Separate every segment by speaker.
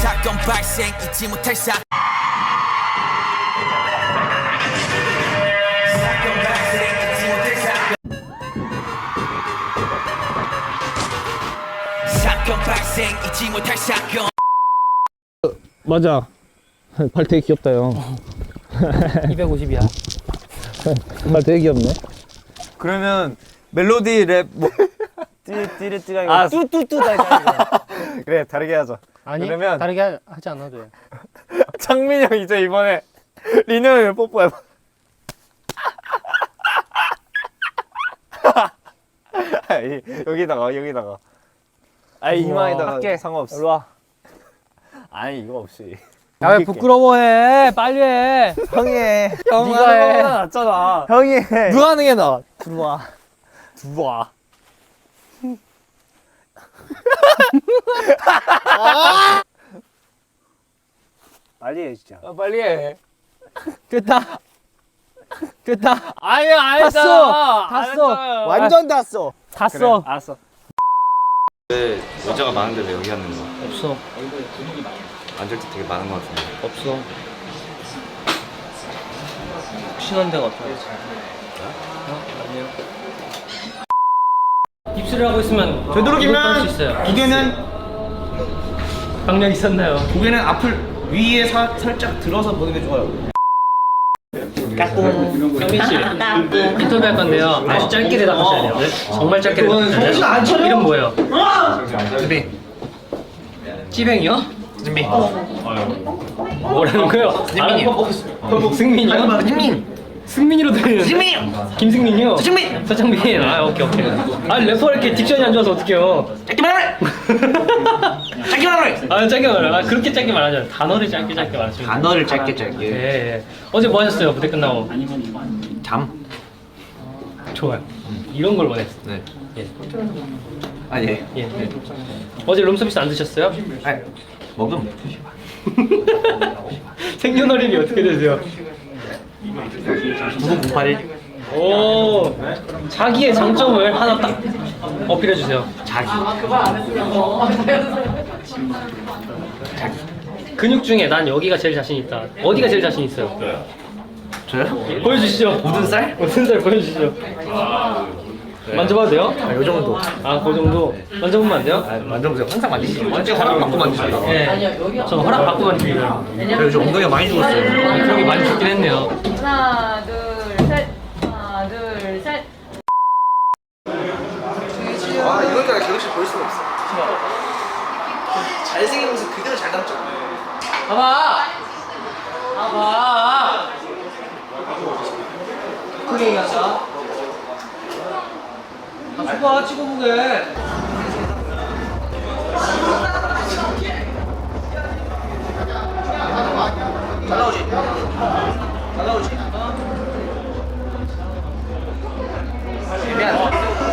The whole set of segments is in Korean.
Speaker 1: 사건 발생 잊지 못할 사건 발생 잊지 못할 사건 발생 잊지 못할 사건.
Speaker 2: 맞아. 발 되게 귀엽다 형.
Speaker 3: 250이야.
Speaker 2: 발 되게 귀엽네.
Speaker 4: 그러면 멜로디 랩 뭐 띠르띠르띠가
Speaker 3: 뚜뚜뚜 다
Speaker 4: 그래 다르게 하자.
Speaker 3: 아니
Speaker 4: 그러면
Speaker 3: 다르게 하지 않아도 돼.
Speaker 4: 창민이 형 이제 이번에 리노 형을 뽀뽀해봐. 여기다가 아니 이마에다가
Speaker 3: 할게.
Speaker 4: 상관없어.
Speaker 3: 일로 와.
Speaker 4: 아니 이거 없이
Speaker 3: 야 왜 부끄러워해? 빨리 해.
Speaker 4: 형이 해.
Speaker 3: 네가 해.
Speaker 4: 낫잖아. 형이 해.
Speaker 3: 누가 하는 게 나? 들어와.
Speaker 4: 들어와. 빨리 해 진짜.
Speaker 3: 빨리 해. 됐다. 됐다.
Speaker 4: 아니야
Speaker 3: 탔어.
Speaker 4: 완전 다 써.
Speaker 3: 탔어.
Speaker 4: 알았어.
Speaker 5: 왜 여자가 많은데 왜 여기 하는 거야?
Speaker 3: 없어.
Speaker 5: 앉을 때 되게 많은 거 같은데.
Speaker 3: 없어. 신한 데가 없어. 아니요. 입술을 하고 있으면
Speaker 6: 되도록이면
Speaker 3: 할수 있어요.
Speaker 6: 고개는
Speaker 3: 강력 있었나요?
Speaker 6: 고개는 앞을 위에 살짝 들어서 보는 게 좋아요.
Speaker 3: 현민 씨 인터뷰 할 건데요. 아주 짧게 대답하셔야 돼요. 네? 정말 짧게 대답하셔야 돼요. 이름 뭐예요? 준비. 찌뱅이요? 준비. 뭐라는 거요? 승민이요. 승민이요? 승민. 승민이로 들리는데. 승민이요. 김승민이요. 서창민. 서창민. 아 오케이. 아 래퍼 이렇게 딕션이 안 좋아서 어떡해요? 짧게 말해. 짧게 말해. 아 짧게 말해. 아 그렇게 짧게 말하잖아. 단어를 짧게 말하시면.
Speaker 6: 단어를 짧게.
Speaker 3: 예. 어제 뭐 하셨어요? 무대 끝나고.
Speaker 6: 잠.
Speaker 3: 좋아요. 이런 걸 원했어.
Speaker 6: 네.
Speaker 3: 예.
Speaker 6: 아 예.
Speaker 3: 예. 어제 룸서비스 안 드셨어요?
Speaker 6: 아 먹음.
Speaker 3: 생년월일이 어떻게 되세요?
Speaker 6: 9081.
Speaker 3: 오, 자기의 장점을 하나 딱 어필해 주세요.
Speaker 6: 자기.
Speaker 3: 근육 중에 난 여기가 제일 자신 있다. 어디가 제일 자신 있어요?
Speaker 6: 저요?
Speaker 3: 보여주시죠.
Speaker 6: 모든 살?
Speaker 3: 모든 살 보여주시죠. 만져봐도 돼요?
Speaker 6: 아, 요 정도.
Speaker 3: 아, 그 정도. 만져보면 안 돼요?
Speaker 6: 아, 만져보세요. 항상 만지시죠. 언제 허락 받고 만지시죠.
Speaker 3: 네. 저 허락 받고 만집니다.
Speaker 6: 저 요즘 엉덩이가 많이 죽었어요.
Speaker 3: 그런 게 많이 죽긴 했네요.
Speaker 7: 하나, 둘, 셋. 하나, 둘, 셋.
Speaker 4: 아 이거니까 결혼식 볼 수가 없어. 잘생긴 모습 그대로 잘 담죠.
Speaker 3: 봐봐! 크게 얘기하자. 아, 줘봐, 찍어보게.
Speaker 4: 잘 나오지? 잘 나오지? 미안.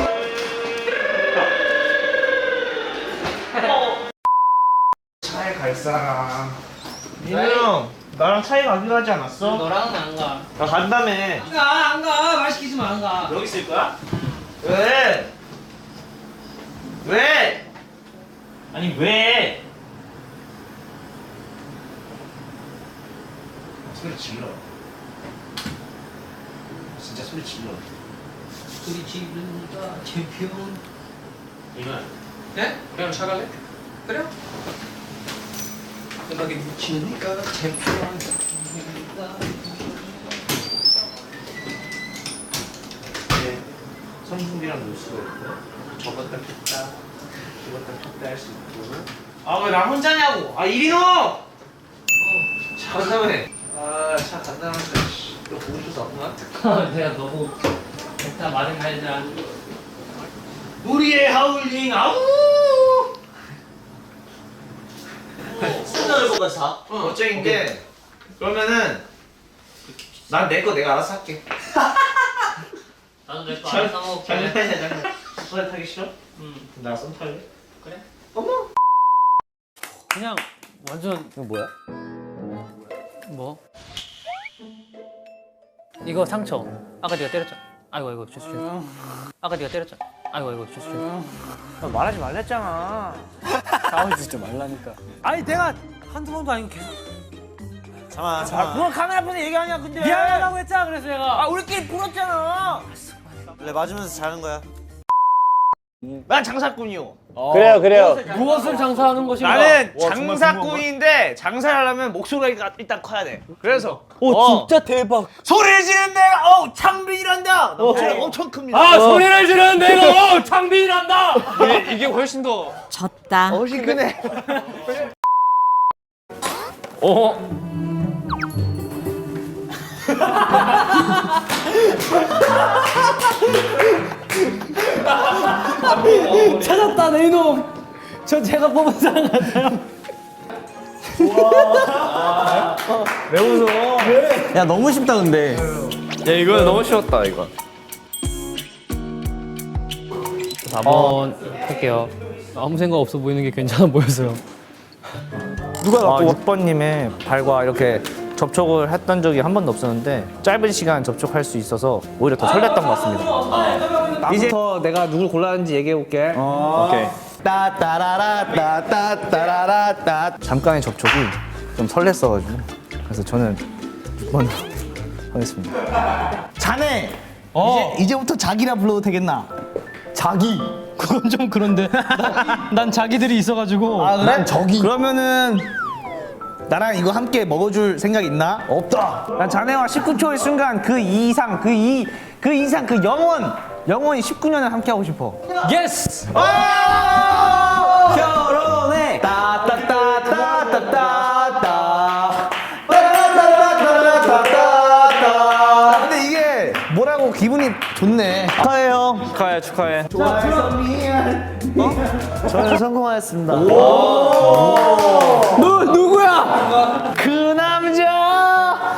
Speaker 4: 차에 갈 사람. 민우 형, 나랑 차에 가기로 하지 않았어?
Speaker 3: 너랑은 안 가.
Speaker 4: 나 간다며.
Speaker 3: 안 가. 말 시키지만 안 가.
Speaker 4: 여기 있을 거야? 왜? 왜? 아니 왜? 소리 질러. 진짜 소리 질러.
Speaker 3: 우리 지르니까 챔피언.
Speaker 4: 이거야.
Speaker 3: 네? 그냥 차갈래? 그래요? 음악에 묻히니까 챔피언.
Speaker 4: 네. 선풍기랑 놓을 수가 있고 저것다 폈다 이것다 폈다 할 수 있고. 아 왜 나 혼자냐고. 아 이리노. 차 간다며. 아차 간다면서. 너 보고 싶어서 왔구나.
Speaker 3: 내가 너무 뱉다 말은 갈자.
Speaker 4: 우리의 하울링 아우.
Speaker 6: 생각을 보고 사.
Speaker 4: 멋쟁인 게 그러면은 난 내 거 내가 알아서 할게.
Speaker 3: 나도 내 거 알아서 먹을게.
Speaker 4: 장난이야 장난. 썸 타기 싫어? 응. 나랑 썸 탈래?
Speaker 3: 그래?
Speaker 4: 어머.
Speaker 3: 그냥 완전
Speaker 4: 이거 뭐야?
Speaker 3: 뭐? 이거 상처. 아까 네가 때렸잖아. 아이고 죄송. 아까 네가 때렸잖아. 아이고 죄송.
Speaker 4: 말하지 말랬잖아.
Speaker 3: 싸우지 진짜 말라니까. 아니 내가
Speaker 4: 한두 번도 아니고 계속.
Speaker 6: 잠깐만 잠깐만. 그걸 카메라 앞에서 얘기하냐 근데.
Speaker 4: 미안하다고 했잖아 그래서 내가.
Speaker 6: 아 우리끼리 풀었잖아. 원래 맞으면서 자는 거야. 난 장사꾼이요.
Speaker 2: 그래요.
Speaker 3: 무엇을 장사하는 것인가?
Speaker 6: 나는 장사꾼인데 장사를 하려면 목소리가 일단 커야 돼. 그래서
Speaker 3: 진짜 대박.
Speaker 6: 소리를 지르는 내가 창빈이란다. 나 목소리가 엄청 큽니다.
Speaker 3: 아 소리를 지르는 내가 창빈이란다.
Speaker 4: 이게 훨씬 더.
Speaker 7: 졌다.
Speaker 6: 훨씬 크네.
Speaker 3: 찾았다 내 이놈. 저 제가 뽑은 사람 같아요.
Speaker 6: 야 너무 쉽다 근데.
Speaker 5: 야 이거 너무 쉬웠다 이거.
Speaker 3: 4번 할게요. 아무 생각 없어 보이는 게 괜찮아 보였어요.
Speaker 6: 누가 갖고 6번님의 발과 이렇게 접촉을 했던 적이 한 번도 없었는데 짧은 시간 접촉할 수 있어서 오히려 더 설렜던 것 같습니다.
Speaker 2: 이제부터 내가 누굴 골랐는지 얘기해 볼게.
Speaker 6: 오케이. 따따라라따따따라라따 잠깐의 접촉이 좀 설렜어가지고 그래서 저는 6번 하겠습니다. 자네 이제부터 자기라 불러도 되겠나?
Speaker 3: 자기. 그건 좀 그런데. 난 자기들이 있어가지고.
Speaker 6: 아 그래? 난 저기. 그러면은 나랑 이거 함께 먹어줄 생각 있나? 없다. 난 자네와 19초의 순간 그 이상 그 이상 그 영원히 19년을 함께 하고 싶어.
Speaker 3: 예스.
Speaker 6: 결혼해. 따따따따따따따. 따따따따따따. 근데 이게 뭐라고 기분이 좋네. 축하해요.
Speaker 5: 축하해.
Speaker 6: 저는 성공하였습니다.
Speaker 3: 너 누구야?
Speaker 6: 그 남자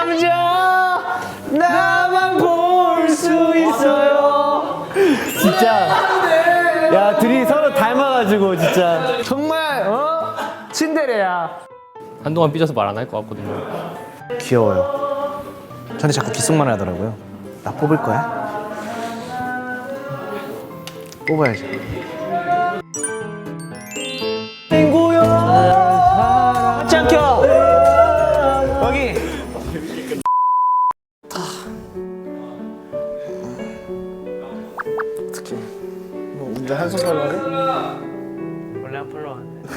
Speaker 6: 나만 볼 수 있어요. 진짜 야 둘이 서로 닮아가지고 진짜 정말 친데레야.
Speaker 3: 한동안 삐져서 말 안 할 것 같거든요.
Speaker 6: 귀여워요. 저한테 자꾸 귓속말 하더라고요. 나 뽑을 거야? 뽑아야지. 친구야 짱켜 여기. 어떡해 뭐 운전 한손 팔로 해?
Speaker 4: 원래 안 불러.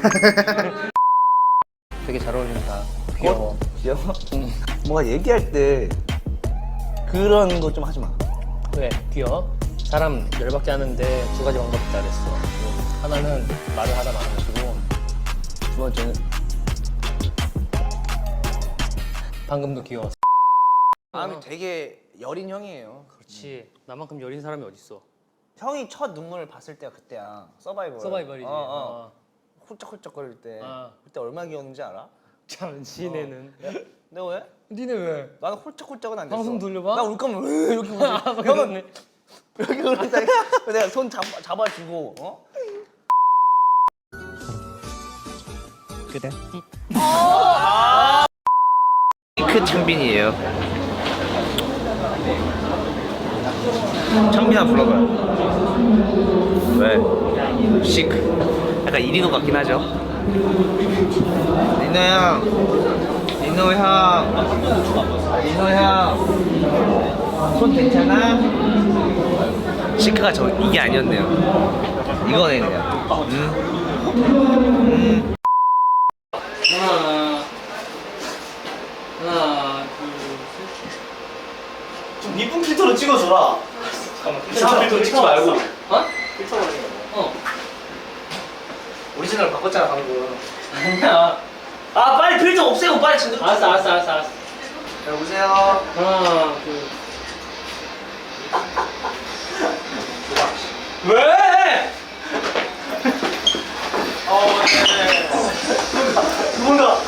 Speaker 3: 되게 잘 어울린다. 귀여워.
Speaker 6: 귀여워? 뭔가 얘기할 때 그런 거 좀 하지 마.
Speaker 3: 왜? 귀여워? 사람 열받게 하는데 두 가지 방법이 있다 그랬어. 하나는 말을 하다 마는 것이고, 두 번째는 방금도 귀여웠어.
Speaker 6: 마음이 되게 여린 형이에요.
Speaker 3: 그렇지. 나만큼 여린 사람이 어딨어.
Speaker 6: 형이 첫 눈물을 봤을 때가 그때야. 서바이벌.
Speaker 3: 서바이벌이지.
Speaker 6: 훌쩍훌쩍거릴 때.
Speaker 3: 아.
Speaker 6: 그때 얼마나 귀여웠는지 알아?
Speaker 3: 참, 지네는.
Speaker 6: 내가 왜?
Speaker 3: 니네 왜?
Speaker 6: 나는 홀짝홀짝은 안 됐어.
Speaker 3: 방송 돌려봐?
Speaker 6: 나 울 거면 왜 이렇게 울지? 형은
Speaker 3: 그렇네.
Speaker 6: 여기 그런다니까. 내가 손 잡아주고
Speaker 2: 그래.
Speaker 5: 그 창빈이에요.
Speaker 6: 창빈아 불러봐.
Speaker 5: 왜? 시크. 약간 이리노 같긴 하죠.
Speaker 6: 민호 형. 손 괜찮아?
Speaker 5: 시크가 이게 아니었네요. 이거네 그냥.
Speaker 3: 하나,
Speaker 6: 좀 이쁜 필터로 찍어줘라. 이상한 필터로 찍지 말고. 필터 걸린 거. 오리지널 바꿨잖아 방금.
Speaker 3: 아니야.
Speaker 6: 아 빨리 필터 없애고 빨리 진짜.
Speaker 3: 알았어.
Speaker 6: 여보세요.
Speaker 3: 하나, 둘.
Speaker 6: 왜? 누군가.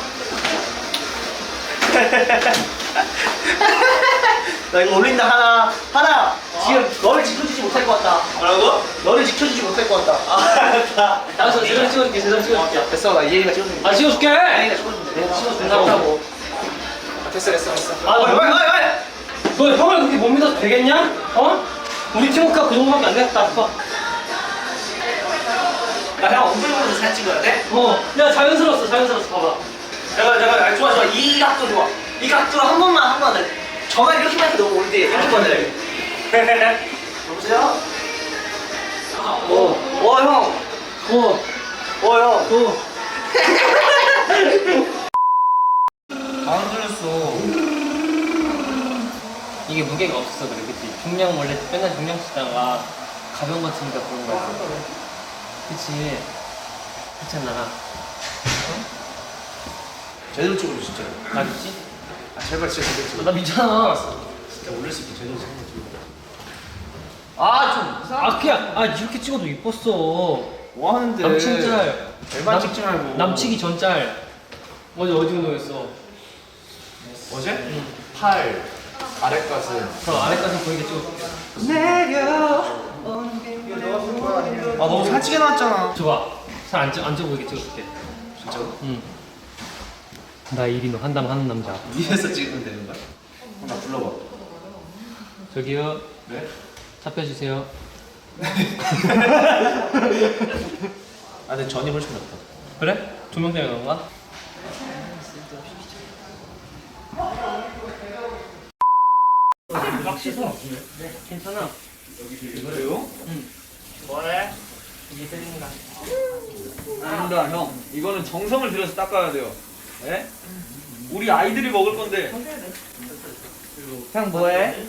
Speaker 6: 나 이거 올린다 하나. 지금 너를 지켜주지 못할 것 같다. 뭐라고? 너를 지켜주지 못할 것 같다. 알았다.
Speaker 3: 알았어, 제대로 찍어줄게.
Speaker 6: 됐어, 나 이해가 찍어줄게.
Speaker 3: 아, 찍어줄게!
Speaker 6: 이해가 찍어준대. 내가 찍어준다고. 됐어.
Speaker 3: 아, 너 형을 그렇게 못 믿어도 되겠냐? 우리 팀워크가 그 정도밖에 안 됐다.
Speaker 6: 나형 엉덩이로 사진 찍어야 돼?
Speaker 3: 야, 자연스러웠어. 봐봐. 좋아. 이 각도 좋아. 이 각도로 한 번만 더. 저가 이렇게만 해도 너무 올드해. 이렇게 만들어요. 여보세요? 형. 형.
Speaker 4: 안 들렸어.
Speaker 3: 이게 무게가 없어서 그래, 그치? 중량 원래 맨날 중량 치다가 가벼운 거 치니까 그런 거야. 그치? 그렇잖아.
Speaker 4: 제대로 찍어줘 진짜.
Speaker 3: 나 믿지?
Speaker 4: 아 제발 진짜 제대로 찍어.
Speaker 3: 나 믿잖아.
Speaker 4: 진짜 올릴 수 있게 제대로 찍어.
Speaker 3: 이렇게 찍어도 이뻤어.
Speaker 4: 뭐 하는데?
Speaker 3: 남친 짤.
Speaker 4: 절반 찍지 말고.
Speaker 3: 남치기 전 짤. 어제 운동했어?
Speaker 4: 어제? 팔 아래까지.
Speaker 3: 그럼 아래까지 보이게 찍어줄게.
Speaker 4: 아 너무 살찌게 나왔잖아.
Speaker 3: 줘봐. 안 쪄 보이게 찍어줄게.
Speaker 4: 진짜로?
Speaker 3: 응. 나 1위 한담 하는 남자.
Speaker 4: 위에서 찍으면 되는 거야? 나 불러봐.
Speaker 3: 저기요.
Speaker 4: 네?
Speaker 3: 잡혀주세요.
Speaker 4: 아 근데 전이 훨씬 낫다.
Speaker 3: 그래? 조명 때문에 그런가? 막 씻어. 네, 괜찮아.
Speaker 4: 그래요?
Speaker 3: 뭐래? 이게 세린가?
Speaker 6: 아닙니다 형. 이거는 정성을 들여서 닦아야 돼요. 네? 우리 아이들이 먹을 건데. 형 뭐해?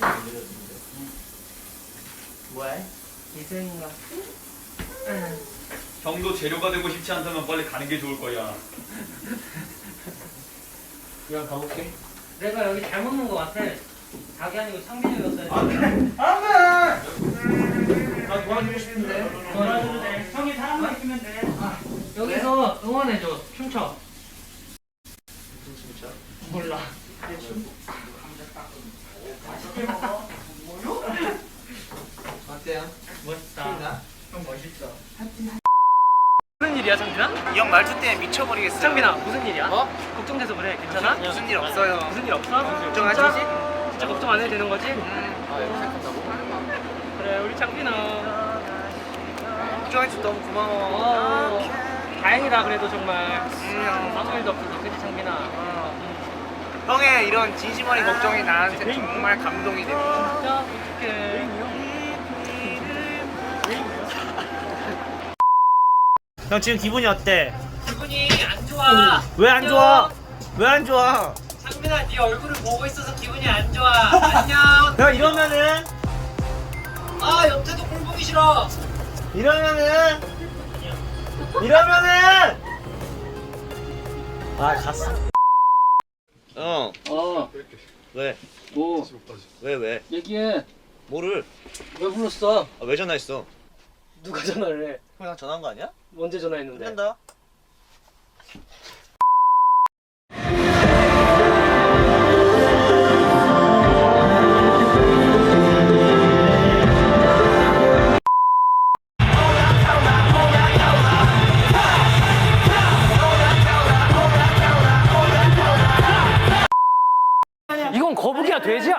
Speaker 3: 뭐해? 이세린가?
Speaker 6: 형도 재료가 되고 싶지 않다면 빨리 가는 게 좋을 거야.
Speaker 3: 그냥 가볼게. 내가 여기 잘못 놓은 거 같아. 닭이 아니고 창빈이었어야 돼.
Speaker 4: 나 도와주고 싶은데.
Speaker 3: 도와줘도 돼. 형이 사람만 있으면 돼. 여기서 응원해줘. 춤춰.
Speaker 4: 무슨 진짜?
Speaker 3: 몰라.
Speaker 4: 어때요?
Speaker 3: 멋있다. 형 멋있어.
Speaker 8: 무슨 일이야, 창빈아?
Speaker 6: 이 형 말투 때문에 미쳐버리겠어.
Speaker 8: 창빈아, 무슨 일이야? 걱정돼서 그래, 괜찮아?
Speaker 6: 무슨 일 없어요.
Speaker 8: 무슨 일 없어?
Speaker 6: 걱정하지?
Speaker 8: 진짜? 진짜 걱정 안 해도 되는 거지? 그래, 우리 창빈아.
Speaker 6: 걱정해줘서 너무 고마워.
Speaker 8: 다행이다, 그래도 정말. 아무 일도 없어서, 그치, 창빈아?
Speaker 6: 형의 이런 진심 어린 걱정이 나한테 정말 감동이 돼.
Speaker 8: 진짜 어떡해.
Speaker 6: 형 지금 기분이 어때?
Speaker 8: 기분이 안 좋아.
Speaker 6: 왜 안 좋아? 왜 안 좋아?
Speaker 8: 창빈아, 네 얼굴을 보고 있어서 기분이 안 좋아. 안녕.
Speaker 6: 형 이러면은
Speaker 8: 아, 옆태도 꼴 보기 싫어.
Speaker 6: 이러면은 아 갔어. 형 왜?
Speaker 3: 뭐,
Speaker 6: 왜?
Speaker 3: 얘기해.
Speaker 6: 뭐를?
Speaker 3: 왜 불렀어?
Speaker 6: 아, 왜 전화했어?
Speaker 3: 누가 전화를 해?
Speaker 6: 형이랑 전화한 거 아니야?
Speaker 3: 언제 전화했는데?
Speaker 6: 끝난다.
Speaker 8: 이건 거북이야, 돼지야?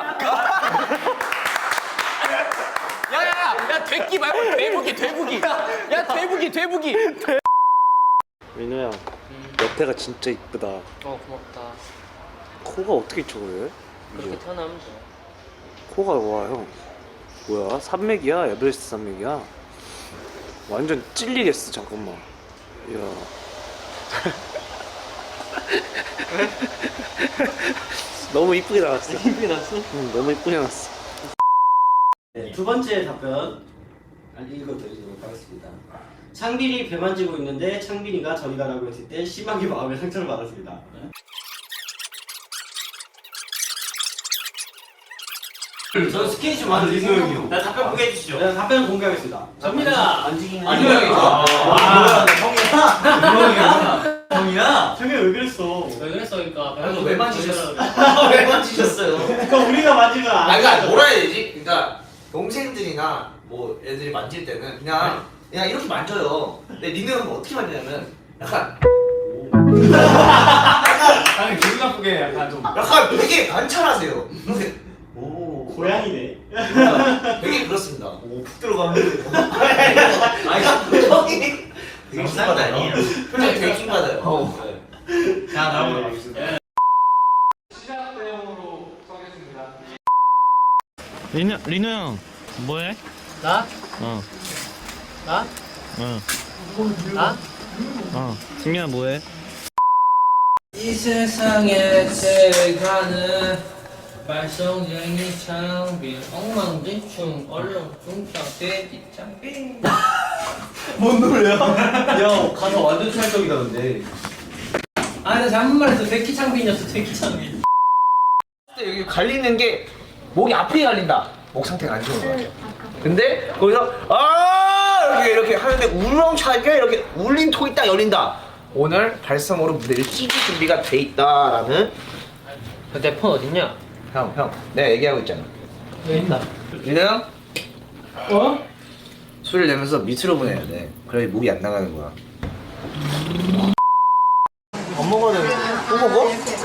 Speaker 3: 야, 돼기 말고 돼부기. 야, 돼부기.
Speaker 2: 민호야, 옆에가 진짜 이쁘다.
Speaker 3: 고맙다.
Speaker 2: 코가 어떻게 쳐 그래?
Speaker 3: 그렇게 태어나면 돼.
Speaker 2: 코가 와 형. 뭐야? 산맥이야? 에베레스트 산맥이야? 완전 찔리겠어. 잠깐만. 이야. 너무 이쁘게 나왔어.
Speaker 3: 이쁘게 났어?
Speaker 2: 응, 너무 이쁘게 나왔어.
Speaker 9: 네, 두 번째 답변 읽어드리도록 하겠습니다. 창빈이 배 만지고 있는데 창빈이가 저리 가라고 했을 때 심하게 마음의 상처를 받았습니다. 저 스케치 많은 리노 형이요. 나 답변 공개해 주시죠. 네, 답변 공개하겠습니다.
Speaker 3: 접니다.
Speaker 9: 만지기는
Speaker 4: 아니 형이죠.
Speaker 9: 형이야? 형이 왜 그랬어?
Speaker 3: 왜 그랬어, 그러니까.
Speaker 4: 왜 만지셨어?
Speaker 9: 왜 만지셨어요? 그러니까 우리가 만지면 안 돼.
Speaker 5: 그러니까 뭐라 해야 되지? 그러니까 동생들이나 뭐 애들이 만질 때는 그냥 이렇게 만져요. 근데 니네 형은 어떻게 만지냐면 약간
Speaker 4: 아니 기분 나쁘게 약간 좀.
Speaker 5: 약간 되게 관찰하세요. 이렇게
Speaker 9: 오, 고양이네.
Speaker 5: 되게 그렇습니다.
Speaker 9: 푹 들어가는데.
Speaker 5: 아니 형이 되게 킹받아요. 표정이 되게 킹받아요.
Speaker 4: 자 다음으로 가겠습니다.
Speaker 6: 리노 형 뭐해?
Speaker 3: 나?
Speaker 6: 어.
Speaker 3: 나?
Speaker 6: 어.
Speaker 3: 나?
Speaker 6: 승민아 뭐해?
Speaker 3: 이 세상에 제일 가는 발성쟁이 창빈 엉망진충 얼렁뚱땅 돼지창빈.
Speaker 5: 뭔 노래야? 야 가사 완전 찰떡이다 근데.
Speaker 3: 아, 나 잘못 말했어. 데키 창빈이었어. 데키 창빈.
Speaker 5: 여기 갈리는 게 목이 앞에 갈린다. 목 상태가 안 좋은 거 같아. 근데 거기서 이렇게 하는데 울렁차게 이렇게 울린 톡이 딱 열린다. 오늘 발성으로 무대를 찍을 준비가 돼 있다라는.
Speaker 3: 내 폰 어딨냐?
Speaker 5: 형, 내가 얘기하고 있잖아.
Speaker 3: 여기 있나?
Speaker 5: 민호 형,
Speaker 3: 어?
Speaker 5: 술을 내면서 밑으로 보내야 돼. 그래야 목이 안 나가는 거야. 밥 먹어야 되는데 또 먹어?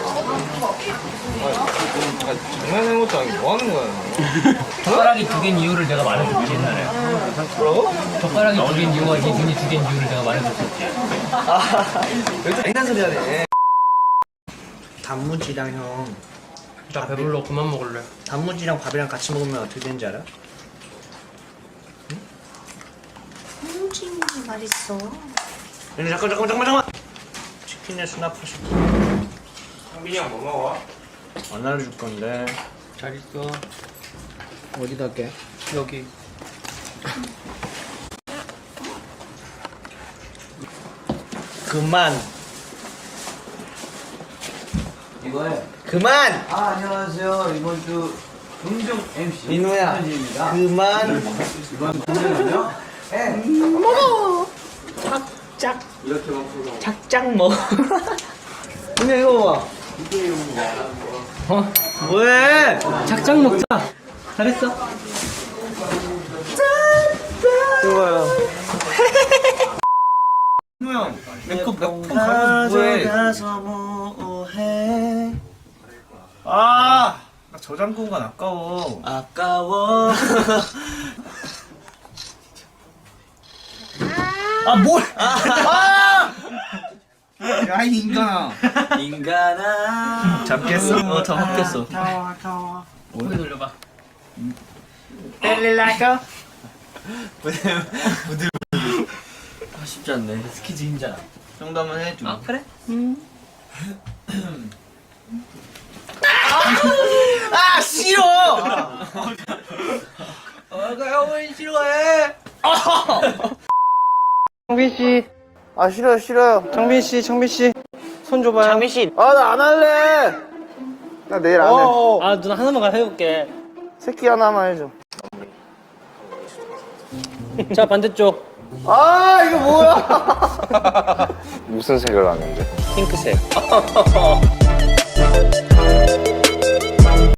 Speaker 5: 장난하는 것도 아니고 뭐 하는 거야?
Speaker 3: 젓가락이 두 개인 이유를 내가 말해줬지 옛날에.
Speaker 5: 뭐라고?
Speaker 3: 젓가락이 두 개인 이유와 이 눈이 두 개인 이유를 내가 말해줬었지.
Speaker 5: 여기서 장난 소리 하네.
Speaker 6: 단무지랑 형
Speaker 3: 나 배불러. 그만 먹을래.
Speaker 6: 단무지랑 밥이랑 같이 먹으면 어떻게 되는지 알아?
Speaker 7: 맛있어.
Speaker 6: 근데 잠깐만 치킨에 수납하실
Speaker 4: 상빈이 형 뭐 먹어?
Speaker 6: 안 알려줄 건데
Speaker 3: 잘 있어.
Speaker 6: 어디다 할게?
Speaker 3: 여기.
Speaker 6: 그만
Speaker 5: 이거에
Speaker 6: 그만
Speaker 5: 안녕하세요. 이번 주 긍정 MC
Speaker 6: 민호야
Speaker 5: 현진입니다.
Speaker 6: 그만
Speaker 5: 이번 주는요.
Speaker 6: 짝
Speaker 5: 이렇게 먹고
Speaker 6: 작작 먹어 근데 이거 봐봐 뭐해
Speaker 3: 작작 먹자. 잘했어.
Speaker 6: 이거요 형 몇번 가면서 뭐해 나 저장고 간 아까워 뭘! 야, 이 인간아. 잡겠어? 잡겠어.
Speaker 3: 고개 돌려봐.
Speaker 6: 텔릴라까?
Speaker 3: 쉽지 않네. 스키즈 힘잖아.
Speaker 6: 정도 한번 해줘.
Speaker 3: 아, 그래?
Speaker 6: 아, 싫어! 형은 싫어해!
Speaker 8: 창빈씨,
Speaker 6: 아, 싫어요.
Speaker 8: 창빈씨, 손 줘봐요.
Speaker 6: 장민씨. 아, 나 안 할래! 나 내일 안 해.
Speaker 8: 아, 누나 하나만 해볼게.
Speaker 6: 새끼 하나만 해줘.
Speaker 8: 자, 반대쪽.
Speaker 6: 아, 이거 뭐야! 무슨 색을 하는데?
Speaker 8: 핑크색.